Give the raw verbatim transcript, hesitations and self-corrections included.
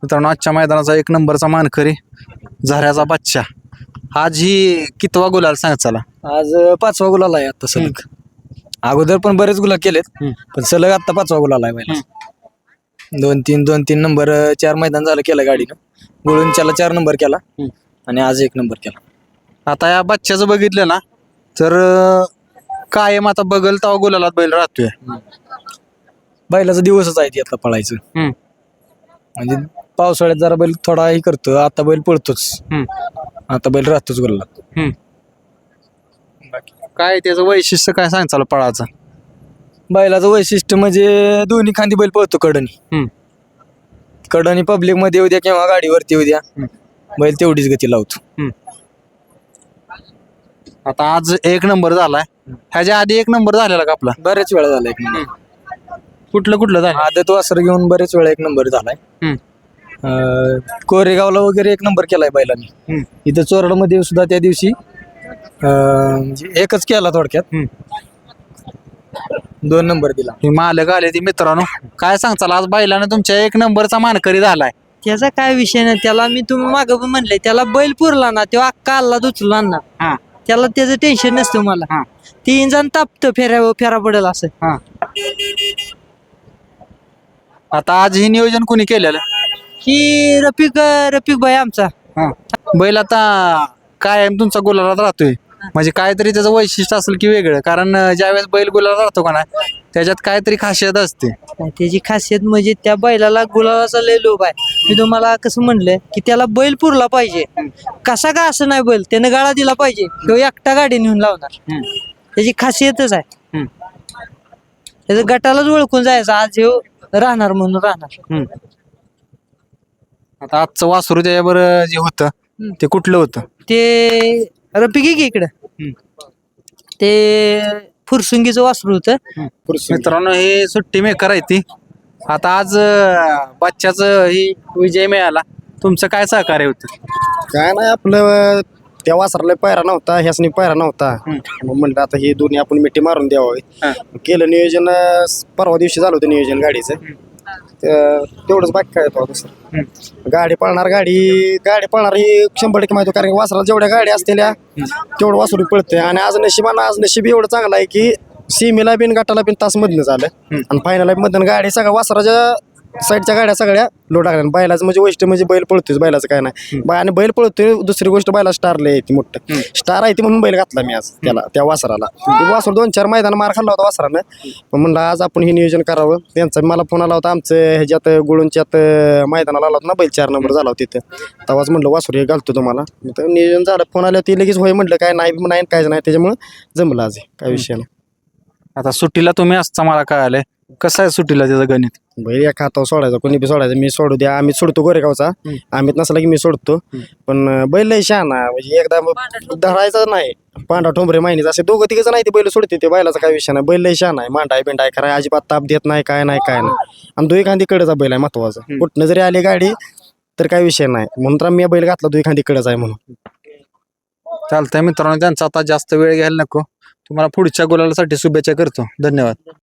मित्रांनो आजच्या मैदानाचा एक नंबरचा मानकरी झऱ्याचा बच्चा आज ही कितवा गुलाल सांग चला आज पाचवा गुलाल आहे आता सलग. अगोदर पण बरेच गुलाल केलेत पण सलग आता पाचवा गुलाल आहे पहिला. दोन तीन दोन तीन नंबर चार मैदान झालं केलं गाडीनं. गुळूंच्याला चार नंबर केला आणि आज एक नंबर केला. आता या बच्च्याचं बघितलं ना तर अं, कायम आता बगल तवा गुलालात बैल राहतोय. बैलाचा दिवसच आहे ती आता पळायचं. म्हणजे पावसाळ्यात जरा बैल थोडा हे करतो, आता बैल पळतोच. आता बैल राहतोच गुलाला. काय त्याचं वैशिष्ट्य काय सांग चला पळाचं. बैलाचं वैशिष्ट्य म्हणजे दोन्ही खांदी बैल पळतो कडनी. कडनी पब्लिक मध्ये येऊ द्या किंवा गाडीवरती येऊ द्या, बैल तेवढीच गती लावतो. आता आज एक नंबर झालाय, ह्याच्या आधी एक नंबर झालेला का आपला? बरेच वेळा झाला एक नंबर. कुठलं कुठलं झालं? आदत वासर घेऊन बरेच वेळा एक नंबर झालाय. अं, कोरेगावला वगैरे एक नंबर केलाय बैलांनी. इथं चोरडमध्ये सुद्धा त्या दिवशी अं, म्हणजे एकच केला थोडक्यात. दोन नंबर दिला. हे मालक आले ती मित्रांनो काय सांगताल आज बैलाने तुमच्या एक नंबरचा मानकरी झालाय. त्याचा काय विषय नाही. त्याला मी तुम्ही मागं पण म्हणले त्याला बैल पुरला ना तेव्हा अक्का आल्ला दुचला ना. त्याला त्याचं टेन्शन नसतं. मला तीन जण तापत फेऱ्या फेरा पडेल असं. आता आज हे नियोजन कोणी केलेलं? ही रफिक रफिक भाई आमचा. बैल आता कायम तुमचा गुलालात राहतोय म्हणजे काहीतरी त्याचं वैशिष्ट्य असेल की वेगळं, कारण अं, ज्यावेळेस बैल गुलालात राहतो का ना त्याच्यात काहीतरी खासियत असते. त्याची खासियत म्हणजे त्या बैलाला गुलाबाचा लय लोभ आहे. मी तुम्हाला कसं म्हणलं की त्याला बैल पुरला पाहिजे. कसा का असं नाही बैल त्यानं गाळा दिला पाहिजे किंवा एकटा गाडी नेऊन लावणार. त्याची खासियतच आहे. त्याचं गटालाच ओळखून जायचं आज हे राहणार म्हणून राहणार. आता आजचं वासरू त्याच्यावर जे होतं ते कुठलं होतं? ते रफिक आहे की इकडं ते फुरसुंगीचं वासरू होतं. मित्रांनो हे सुट्टी मेकर आहे ती. आता आज अं, बच्च्याचं ही विजय मिळाला, तुमचं काय सहकार्य होतं? काय नाही आपलं त्या वासराला पायरा नव्हता, ह्यासनी पायरा नव्हता. मग म्हणलं आता हे दोन्ही आपण मिठी मारून द्यावं. केलं नियोजन. अं, परवा दिवशी झालं होतं नियोजन गाडीचं. त- तेवढंच बाकी काय होतं दुसरं. गाडी पळणार गाडी गाडी पळणार ही शंभर टक्के माहिती होतं. कारण वासराला जेवढ्या गाडी असलेल्या तेवढं वासरू पळतंय. आणि आज नशिबानं आज नशीब एवढं चांगलं आहे की सीमेला बिन गटाला बिन तास मधनं झालं आणि फायनल मधनं गाडी सगळ्या वासराच्या साईडच्या गाड्या सगळ्या लोट टाकल्या. बैलाचं म्हणजे वैशिष्ट्य म्हणजे बैल पळतोय, बैलाचं काय नाही. बै- आणि बैल पळतोय. दुसरी गोष्ट बैला स्टारला येते मोठं स्टार आहे ती म्हणून बैल घातला मी आज त्याला त्या वासराला. वासर दोन चार मैदान मार खाल्ला होता वासरानं. पण म्हणलं आज आपण हे नियोजन करावं. त्यांचा मला फोन आला होता आमचं ह्याच्यात गुळूंच्यात मैदानाला आला होता ना बैल, चार नंबर झाला होता तिथं. तेव्हाच म्हणलं वासरू हे घालतो तुम्हाला. तर नियोजन झालं. फोन आल्यावर ती लगेच होय म्हटलं काय नाही नाही कायच नाही. त्याच्यामुळे जमलं आज काय विषय नाही. आता सुट्टीला तुम्ही असता मला काय आलंय कसं आहे सुट्टीला त्याचं गणित? बैल एका हातावर सोडायचा, कोणी बी सोडायचं. मी सोडू द्या, आम्ही सोडतो गोरेगावचा. आम्ही नसला की मी सोडतो. पण बैल लय शहाणा म्हणजे एकदा धरायचा नाही. पांढरा ठोंबरे माहिनीच असे दोघं तिघच नाही ते बैल सोडते. ते बैलाचा काय विषय नाही. बैल लय शहाणा आहे. मांडाय बिंडाय कराय अजिबात ताप देत नाही काय नाही काय नाही. आणि दुई खांदी कडेचा बैल आहे महत्वाचा. कुठनं जरी आली गाडी तर काय विषय नाही. म्हणून तर मी बैल घातला दुई खांदी कडेच आहे म्हणून. चालतंय मित्रांनो, त्यांचा आता जास्त वेळ घ्यायला नको. तुम्हाला पुढच्या गुलालासाठी शुभेच्छा करतो. धन्यवाद.